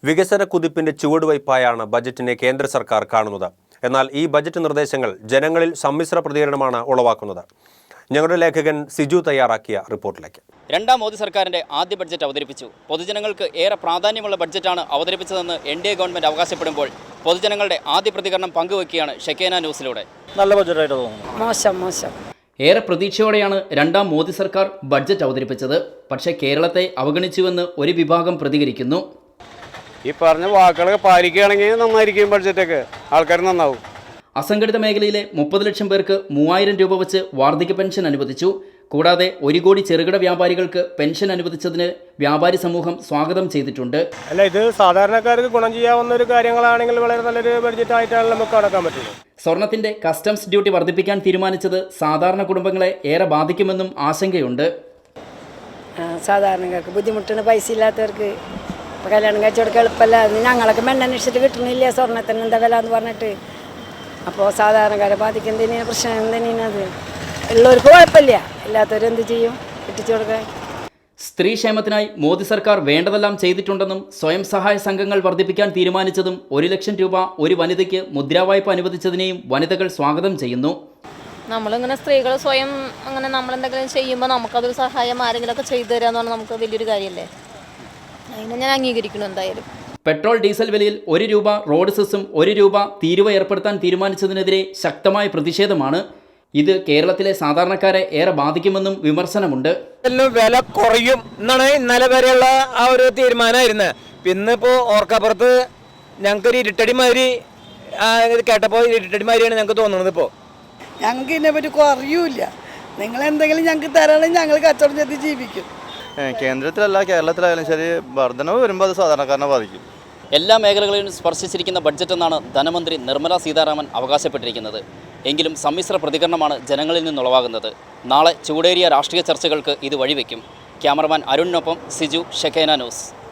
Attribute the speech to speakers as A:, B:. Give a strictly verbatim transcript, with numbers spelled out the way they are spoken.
A: വികസന കുതിപ്പിന്റെ ചുവടുവയ്പായാണ് ബജറ്റിനെ കേന്ദ്ര സർക്കാർ കാണുന്നത്. എന്നാൽ ഈ ബജറ്റ് നിർദ്ദേശങ്ങൾ ജനങ്ങളിൽ സമ്മിശ്ര പ്രതികരണമാണ് ഉളവാക്കുന്നത്. ഞങ്ങളുടെ ലേഖകൻ സിജു തയ്യാറാക്കിയ റിപ്പോർട്ടിലേക്ക്.
B: രണ്ടാം മോദി സർക്കാരിന്റെ ആദ്യ ബഡ്ജറ്റ് അവതരിപ്പിച്ചു. പൊതുജനങ്ങൾക്ക് ഏറെ പ്രാധാന്യമുള്ള ബഡ്ജറ്റാണ് അവതരിപ്പിച്ചതെന്ന് എൻ ഡി എ ഗവൺമെന്റ് അവകാശപ്പെടുമ്പോൾ പൊതുജനങ്ങളുടെ ആദ്യ പ്രതികരണം പങ്കുവയ്ക്കുകയാണ് ഷെക്കേന ന്യൂസിലൂടെ.
C: നല്ല ബഡ്ജറ്റായിട്ട് തോന്നുന്നു.
D: മോശം മോശം
B: ഏറെ പ്രതീക്ഷയോടെയാണ് രണ്ടാം മോദി സർക്കാർ ബഡ്ജറ്റ് അവതരിപ്പിച്ചത്. പക്ഷേ കേരളത്തെ അവഗണിച്ചുവെന്ന് ഒരു വിഭാഗം പ്രതികരിക്കുന്നു.
E: ഈ പറഞ്ഞ വാക്കുകളൊക്കെ പാലിക്കുകയാണെങ്കിൽ നന്നായിരിക്കും, ബഡ്ജറ്റൊക്കെ ആൾക്കാർ നന്നാവും.
B: അസംഘടിത മേഖലയിലെ മുപ്പത് ലക്ഷം പേർക്ക് മൂവായിരം രൂപ വെച്ച് വാർദ്ധക്യ പെൻഷൻ അനുവദിച്ചു. കൂടാതെ ഒരു കോടി ചെറുകിട വ്യാപാരികൾക്ക് പെൻഷൻ അനുവദിച്ചതിന് വ്യാപാരി സമൂഹം സ്വാഗതം ചെയ്തിട്ടുണ്ട്.
C: അല്ല, ഇത് സാധാരണക്കാർക്ക് ഗുണം ചെയ്യാവുന്ന ഒരു കാര്യങ്ങളാണെങ്കിൽ വളരെ നല്ലൊരു ബഡ്ജറ്റ് ആയിട്ടാണ് നമുക്ക് കടക്കാൻ പറ്റുന്നത്.
B: സ്വർണത്തിന്റെ കസ്റ്റംസ് ഡ്യൂട്ടി വർദ്ധിപ്പിക്കാൻ തീരുമാനിച്ചത് സാധാരണ കുടുംബങ്ങളെ ഏറെ ബാധിക്കുമെന്നും ആശങ്കയുണ്ട്.
D: സാധാരണക്കാർക്ക് ബുദ്ധിമുട്ടാണ്. പൈസ ഇല്ലാത്തവർക്ക് കല്യാണം കഴിച്ചു കൊടുക്കാൻ എളുപ്പമല്ല. ഞങ്ങളൊക്കെ മെണ്ണന്വേഷിച്ചിട്ട് കിട്ടണില്ല സ്വർണ്ണത്തിന് എന്താ വില എന്ന് പറഞ്ഞിട്ട്. അപ്പോൾ സാധാരണക്കാരെ ബാധിക്കുന്നതിന് പ്രശ്നം എന്തിനത് ഉള്ളവർക്ക് കുഴപ്പമില്ല, ഇല്ലാത്തവരെന്ത് ചെയ്യും കിട്ടിച്ചു കൊടുക്കാൻ.
B: സ്ത്രീ ക്ഷേമത്തിനായി മോദി സർക്കാർ വേണ്ടതെല്ലാം ചെയ്തിട്ടുണ്ടെന്നും സ്വയം സഹായ സംഘങ്ങൾ വർദ്ധിപ്പിക്കാൻ തീരുമാനിച്ചതും ഒരു ലക്ഷം രൂപ ഒരു വനിതയ്ക്ക് മുദ്രാവായ്പ അനുവദിച്ചതിനെയും വനിതകൾ സ്വാഗതം ചെയ്യുന്നു.
F: നമ്മളിങ്ങനെ സ്ത്രീകൾ സ്വയം അങ്ങനെ നമ്മളെന്തെങ്കിലും ചെയ്യുമ്പോൾ നമുക്കതൊരു സഹായം ആരെങ്കിലുമൊക്കെ ചെയ്തു തരാമെന്ന് പറഞ്ഞാൽ നമുക്ക് വലിയൊരു കാര്യമല്ലേ. അതിനെ ഞാൻ അംഗീകരിക്കണം എന്തായാലും.
B: പെട്രോൾ ഡീസൽ വിലയിൽ ഒരു രൂപ റോഡ് സെസ്സും ഒരു രൂപ തീരുവ ഏർപ്പെടുത്താൻ തീരുമാനിച്ചതിനെതിരെ ശക്തമായ പ്രതിഷേധമാണ്. ഇത് കേരളത്തിലെ സാധാരണക്കാരെ ഏറെ ബാധിക്കുമെന്നും വിമർശനമുണ്ട്.
G: വില കുറയും എന്നാണ് ഇന്നലെ വരെയുള്ള ആ ഒരു തീരുമാനമായിരുന്നത്. ഇന്നിപ്പോൾ ഓർക്കപ്പുറത്ത് ഞങ്ങൾക്കൊരു ഇരുട്ടടിമാതിരി കേട്ടപ്പോൾ ഇരുട്ടടിമാതിരിയാണ് ഞങ്ങൾക്ക് തോന്നുന്നത്. ഇപ്പോൾ
H: ഞങ്ങൾക്ക് ഇതിനെപ്പറ്റി കുറയൂല. നിങ്ങൾ എന്തെങ്കിലും ഞങ്ങൾക്ക് തരാണെങ്കിൽ ഞങ്ങൾ കച്ചവടം ചെയ്ത് ജീവിക്കും.
I: കേന്ദ്രത്തിലല്ല കേരളത്തിലായാലും ശരി, വർധനവ് വരുമ്പോൾ അത് സാധാരണക്കാരനെ ബാധിക്കും.
B: എല്ലാ മേഖലകളിലും സ്പർശിച്ചിരിക്കുന്ന ബഡ്ജറ്റ് എന്നാണ് ധനമന്ത്രി നിർമ്മല സീതാരാമൻ അവകാശപ്പെട്ടിരിക്കുന്നത്. എങ്കിലും സമ്മിശ്ര പ്രതികരണമാണ് ജനങ്ങളിൽ നിന്നുളവാകുന്നത്. നാളെ ചൂടേറിയ രാഷ്ട്രീയ ചർച്ചകൾക്ക് ഇത് വഴിവെക്കും. ക്യാമറമാൻ അരുണിനൊപ്പം സിജു, ഷെക്കേന ന്യൂസ്.